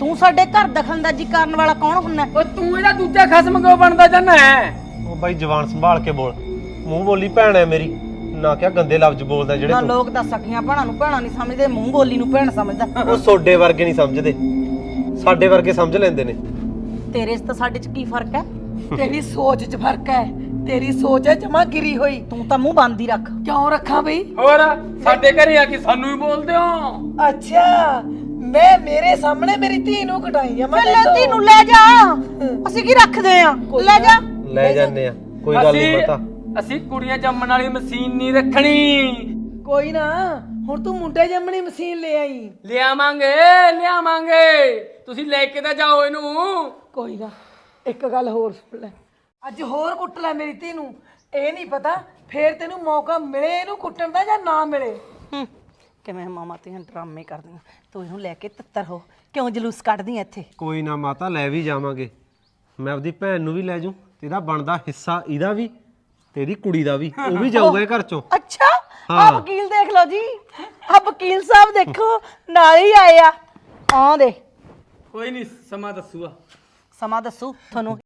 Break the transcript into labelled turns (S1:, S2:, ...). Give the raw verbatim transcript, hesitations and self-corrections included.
S1: ਤੂੰ ਸਾਡੇ ਘਰ ਦਖਲਅੰਦਾਜ਼ੀ ਕਰਨ ਵਾਲਾ ਕੌਣ ਹੁੰਨਾ?
S2: ਓ ਤੂੰ ਇਹਦਾ ਦੂਜਾ ਖਸਮ ਕਿਉਂ ਬਣਦਾ ਜਾਂਦਾ ਹੈ?
S3: ਉਹ ਬਾਈ ਜ਼ਬਾਨ ਸੰਭਾਲ ਕੇ ਬੋਲ। ਮੂੰਹ ਬੋਲੀ ਭੈਣ ਹੈ ਮੇਰੀ, ਨਾ ਕਿਆ ਗੰਦੇ ਲਫ਼ਜ਼ ਬੋਲਦਾ ਜਿਹੜੇ
S1: ਨਾ
S3: ਤੂੰ।
S1: ਲੋਕ ਤਾਂ ਸਖੀਆਂ ਭੈਣਾਂ ਨੂੰ ਭੈਣਾਂ ਨਹੀਂ ਸਮਝਦੇ, ਮੂੰਹ ਬੋਲੀ ਨੂੰ ਭੈਣ ਸਮਝਦਾ।
S3: ਉਹ ਸੋਡੇ ਵਰਗੇ ਨਹੀਂ ਸਮਝਦੇ, ਸਾਡੇ ਵਰਗੇ ਸਮਝ ਲੈਂਦੇ ਨੇ।
S1: ਤੇਰੇ 'ਚ ਤਾਂ ਸਾਡੇ 'ਚ ਕੀ ਫਰਕ ਹੈ?
S4: ਤੇਰੀ ਸੋਚ 'ਚ ਫਰਕ ਹੈ। ਤੇਰੀ ਸੋਚ ਹੈ ਜਮਾ ਗਿਰੀ ਹੋਈ।
S1: ਤੂੰ ਤਾਂ ਮੂੰਹ ਬੰਦ ਹੀ ਰੱਖ।
S4: ਕਿਉਂ ਰੱਖਾਂ ਬਈ?
S2: ਹੋਰ ਸਾਡੇ ਘਰੇ ਆ ਕੇ ਸਾਨੂੰ ਹੀ ਬੋਲਦੇ ਹੋ।
S4: ਅੱਛਾ, ਮੈਂ ਮੇਰੇ ਸਾਹਮਣੇ ਮੇਰੀ ਧੀ ਨੂੰ ਕਟਾਈ ਆ ਮੈਂ
S1: ਲੈ ਤੀ ਨੂੰ ਲੈ ਜਾ, ਅਸੀਂ ਕੀ ਰੱਖਦੇ ਆ? ਲੈ ਜਾ।
S3: ਲੈ ਜਾਂਦੇ ਆ, ਕੋਈ ਗੱਲ ਨਹੀਂ
S2: ਅਸੀਂ-
S3: ਪਤਾ।
S2: ਅਸੀਂ ਕੁੜੀਆਂ ਜੰਮਣ ਵਾਲੀ ਮਸ਼ੀਨ ਨਹੀਂ ਰੱਖਣੀ।
S4: ਕੋਈ ਨਾ, ਹੁਣ ਤੂੰ ਮੁੰਡੇ ਜੰਮਣੀ ਮਸ਼ੀਨ ਲੈ ਆਈ।
S2: ਲਿਆਵਾਂਗੇ ਲਿਆਵਾਂਗੇ, ਤੁਸੀਂ ਲੈ ਕੇ ਤਾਂ ਜਾਓ ਇਹਨੂੰ।
S4: ਕੋਈ ਨਾ, ਇੱਕ ਗੱਲ ਹੋਰ ਸੁਣ ਲੈ, ਅੱਜ ਹੋਰ ਕੁੱਟ ਲੈ ਮੇਰੀ ਧੀ ਨੂੰ। ਇਹ ਨਹੀਂ ਪਤਾ ਫੇਰ ਤੈਨੂੰ ਮੌਕਾ ਮਿਲੇ ਇਹਨੂੰ ਕੁੱਟਣ ਦਾ ਜਾਂ ਨਾ ਮਿਲੇ।
S1: ਹੂੰ, ਕਿਵੇਂ ਮਾਮਾ ਤੇ ਡਰਾਮੇ ਕਰਦੀਆਂ। ਤੂੰ ਇਹਨੂੰ ਲੈ ਕੇ ਤਿੱਤਰ ਹੋ, ਕਿਉਂ ਜਲੂਸ ਕੱਢਦੀ ਐ ਇੱਥੇ?
S3: ਕੋਈ ਨਾ ਮਾਤਾ, ਲੈ ਵੀ ਜਾਵਾਂਗੇ। ਮੈਂ ਆਪਦੀ ਭੈਣ ਨੂੰ ਵੀ ਲੈ ਜੂ, ਤੇਰਾ ਬਣਦਾ ਹਿੱਸਾ ਇਹਦਾ ਵੀ, ਤੇਰੀ ਕੁੜੀ ਦਾ ਵੀ, ਉਹ ਵੀ ਜਾਊਗਾ ਇਹ ਘਰ ਚੋਂ।
S1: ਅੱਛਾ, ਆ
S3: ਹਾਂ।
S1: ਵਕੀਲ ਦੇਖ ਲਓ ਜੀ, ਆ ਵਕੀਲ ਸਾਹਿਬ ਦੇਖੋ ਨਾਲ ਹੀ ਆਏ ਆ। ਆ ਦੇ
S2: ਕੋਈ ਨਹੀਂ, ਸਮਾਂ ਦੱਸੂਗਾ।
S1: ਸਮਾਂ ਦੱਸੂ ਤੁਹਾਨੂੰ।